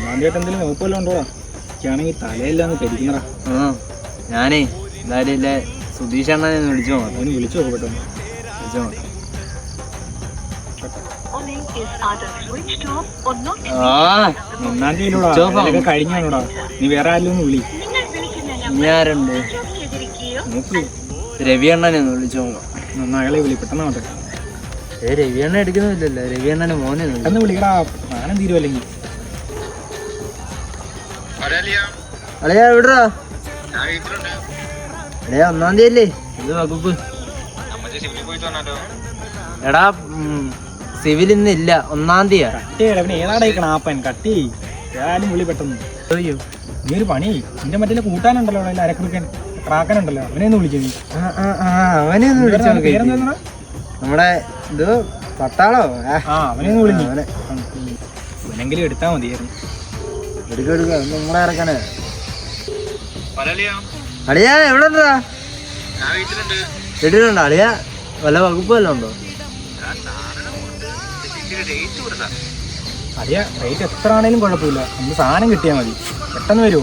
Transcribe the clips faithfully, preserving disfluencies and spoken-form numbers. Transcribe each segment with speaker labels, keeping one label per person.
Speaker 1: ആദ്യമായിട്ട് എന്തെങ്കിലും വകുപ്പല്ലോ ഉണ്ടോടാ? എനിക്കാണെങ്കിൽ തലയില്ലാന്ന് കരിക്കുന്നടാ.
Speaker 2: ആ ഞാനേ എന്തായാലും ഇല്ലേ സുധീഷ് അണ്ണനെ ഒന്ന് വിളിച്ചു നോക്കാം.
Speaker 1: അവന് വിളിച്ചു നോക്ക് പെട്ടെന്ന്.
Speaker 2: വിളിച്ചു നോക്കാം. ആ
Speaker 1: ഒന്നാം തീയതിയിലൂടെ കഴിഞ്ഞാണോടാ. നീ വേറെ ആരെങ്കിലും ഒന്ന് വിളി.
Speaker 2: ഞാനുണ്ട്
Speaker 1: നോക്ക്.
Speaker 2: രവി അണ്ണനെ ഒന്ന് വിളിച്ചു നോക്കാം.
Speaker 1: എന്നാ അയാളെ വിളി പെട്ടെന്നാവട്ടെ.
Speaker 2: ഏ രവി അണ്ണ എടുക്കുന്നില്ലല്ലോ. രവി അണ്ണനെ മോനെ ഒന്ന്
Speaker 1: പെട്ടെന്ന് വിളിക്കടാ. ഞാനും തീരുവല്ലെങ്കിൽ.
Speaker 2: അളിയാ എവിടാ? അളിയാ ഒന്നാം തീയതി അല്ലേ? ഇത് വകുപ്പ് എടാ സിവിൽ ഇന്ന് ഇല്ല, ഒന്നാം തീയതിയാ.
Speaker 1: കട്ടി അവന് ഏതാടാ ഈ ക്ലാപ്പൻ? കട്ടി ഏതായാലും വിളി പെട്ടെന്ന്.
Speaker 2: അയ്യോ
Speaker 1: നീ ഒരു പണി നിന്റെ മറ്റേ കൂട്ടാനുണ്ടല്ലോ അവിടെ അരക്കുറുക്കൻ ട്രാക്കനുണ്ടല്ലോ, അവനെ ഒന്ന് വിളിച്ചു നീ.
Speaker 2: അവനെ ഒന്ന് വിളിച്ചു നോക്കി.
Speaker 1: പേരെന്താ?
Speaker 2: നമ്മുടെ ഇത് പട്ടാളോ?
Speaker 1: ആ അവനെ ഒന്ന് വിളിച്ചു. അവനെങ്കിലും എടുത്താ മതിയായിരുന്നു.
Speaker 2: എടുക്ക എടുക്ക നമ്മളെ ഇറക്കാനേ. അളിയാ എവിടെ ഉണ്ടാ? വീട്ടിലുണ്ടോ അളിയാ? വല്ല വകുപ്പ് വല്ലതും ഉണ്ടോ?
Speaker 1: അറിയാ റേറ്റ് എത്ര ആണേലും കുഴപ്പമില്ല, നമുക്ക് സാധനം കിട്ടിയാൽ മതി. പെട്ടെന്ന് വരുമോ?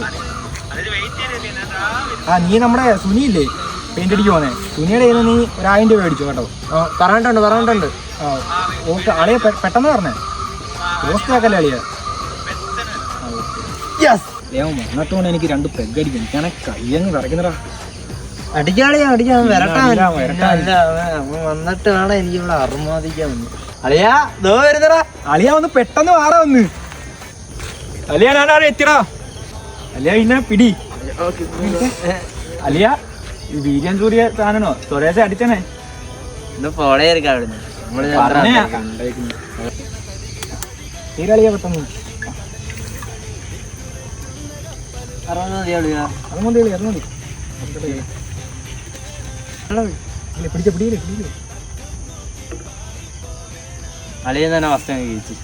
Speaker 1: ആ നീ നമ്മുടെ സുനിയില്ലേ പെയിന്റ് അടിക്ക് പോന്നെ, സുനിയുടെ കയ്യിൽ നീ ഒരായിരം രൂപ മേടിച്ചോ കേട്ടോ.
Speaker 2: പറഞ്ഞിട്ടുണ്ട് പറഞ്ഞിട്ടുണ്ട്.
Speaker 1: ആ ഓക്കെ അളിയ പെട്ടെന്ന് പറഞ്ഞേ. പോസ്റ്റ് ആക്കല്ലേ അളിയ. വന്നിട്ടുകൊണ്ട് എനിക്ക് രണ്ട് പെഗ് അടിക്കും. എനിക്കാണെ കയ്യങ്ങ് കറക്കുന്നടാ.
Speaker 2: അടിക്കാളിയാ അടിക്കാൻ വരട്ടാ. വന്നിട്ട് വേണം എനിക്ക് ഇവിടെ അറുമാദിക്കാൻ വന്നു. അളിയാ ദോ വരുന്നടാ.
Speaker 1: അളിയ വന്ന് പെട്ടെന്ന് മാറാ വന്ന്. അലിയ ഞാനാടെ എത്തിടാ. അലിയ പിന്നെ പിടി. അലിയ ഈ വീര്യൻ സൂര്യ സാധനോ സ്വദേശം അടിച്ചനെ.
Speaker 2: ഇന്ന് പോളെ ഇരിക്കാം അവിടുന്ന്.
Speaker 1: തീരളിയ പെട്ടെന്ന്.
Speaker 2: അറുപത് മതി അളിയാ.
Speaker 1: അത് മതി കളി, അത് മതി. പിടിച്ച പിടിയില്ലേ പിടിയില്ലേ.
Speaker 2: അളിയൻ തന്നെ ഫസ്റ്റ് അങ്ങ് കഴിച്ചു.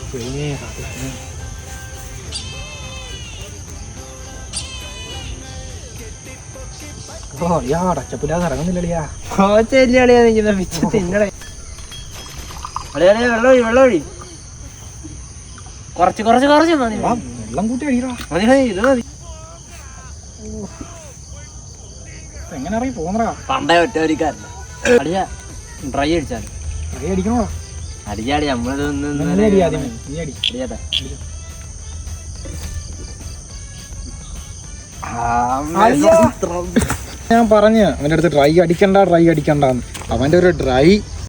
Speaker 1: ഓ അളിയാ ടച്ചപ്പില്ലാതെ ഇറങ്ങുന്നില്ലളിയാ.
Speaker 2: കോച്ചല്ലേ അളിയാ നിൽക്കുന്ന പിച്ച് തിന്നടേ. അളിയാ അളിയാ വെള്ളം ഒഴി വെള്ളം ഒഴി. കുറച്ച് കുറച്ച് കുറച്ച് മതി.
Speaker 1: വെള്ളം കൂട്ടി അടിക്കടാ.
Speaker 2: മതി മതി ഇത് മതി.
Speaker 1: എങ്ങനെ അറിയും പോന്നടാ.
Speaker 2: പണ്ടേ ഒറ്റവരിക്കാരല്ല അളിയാ. ഡ്രൈ അടിച്ചാൽ
Speaker 1: ട്രൈ അടിക്കണോടാ.
Speaker 2: അടിച്ചാടി നമ്മളിതൊന്നും അടിയാട്ടെ.
Speaker 1: ഞാൻ പറഞ്ഞു അവൻ്റെ അടുത്ത് ഡ്രൈ അടിക്കണ്ട ഡ്രൈ അടിക്കണ്ടെന്ന്. അവൻ്റെ ഒരു ഡ്രൈ